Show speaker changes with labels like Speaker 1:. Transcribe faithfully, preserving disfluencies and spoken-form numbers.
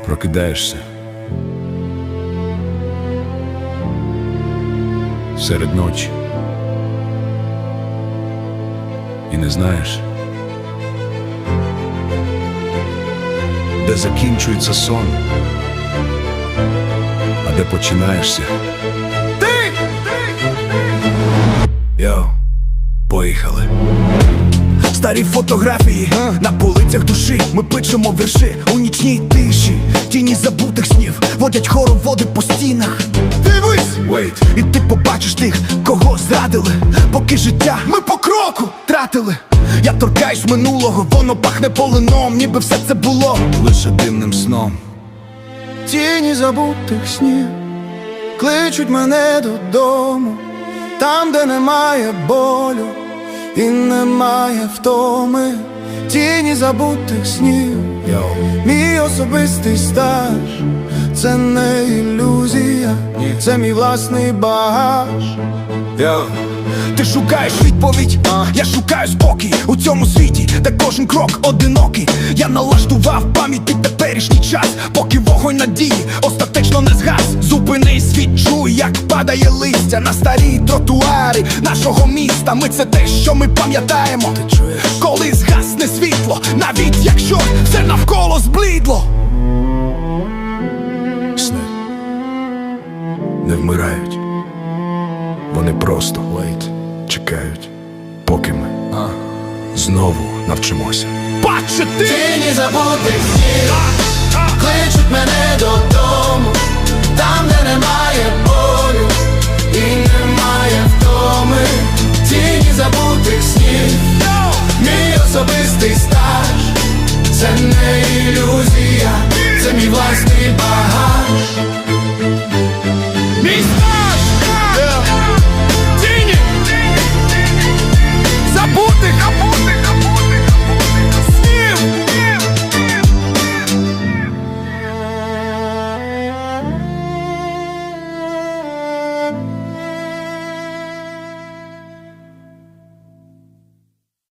Speaker 1: Прокидаєшся серед ночі і не знаєш, де закінчується сон, а де починаєшся ти. Йоу, поїхали.
Speaker 2: Старі фотографії а? На полицях душі. Ми пишемо вірші у нічній тиші. Тіні забутих снів водять хороводи по стінах. Дивись!
Speaker 1: Wait.
Speaker 2: І ти побачиш тих, кого зрадили, поки життя ми по кроку тратили. Я торкаюсь минулого, воно пахне полином, ніби все це було
Speaker 1: лише дивним сном.
Speaker 2: Тіні забутих снів кличуть мене додому, там, де немає болю і немає втоми. Тіні забутих снів,
Speaker 1: Yo.
Speaker 2: мій особистий стаж. Це не ілюзія, це мій власний багаж.
Speaker 1: Yo.
Speaker 2: Ти шукаєш відповідь, а? Я шукаю спокій у цьому світі, де кожен крок одинокий. Я налаштував пам'ять під теперішній час, поки вогонь надії остаточно не згас. Зупинись, відчуй, як падає листя на старі тротуари нашого міста. Ми це те, що ми пам'ятаємо. Ти чуєш? Коли згасне світло, навіть якщо все навколо зблідло.
Speaker 1: Сни не вмирають, вони просто wait. Чекають, поки ми а. знову навчимося
Speaker 2: бачити.
Speaker 3: Тіні забутих снів кличуть мене додому, там, де немає болю і немає втоми. Тіні забутих снів, мій особистий стаж. Це не ілюзія, це мій власний багаж.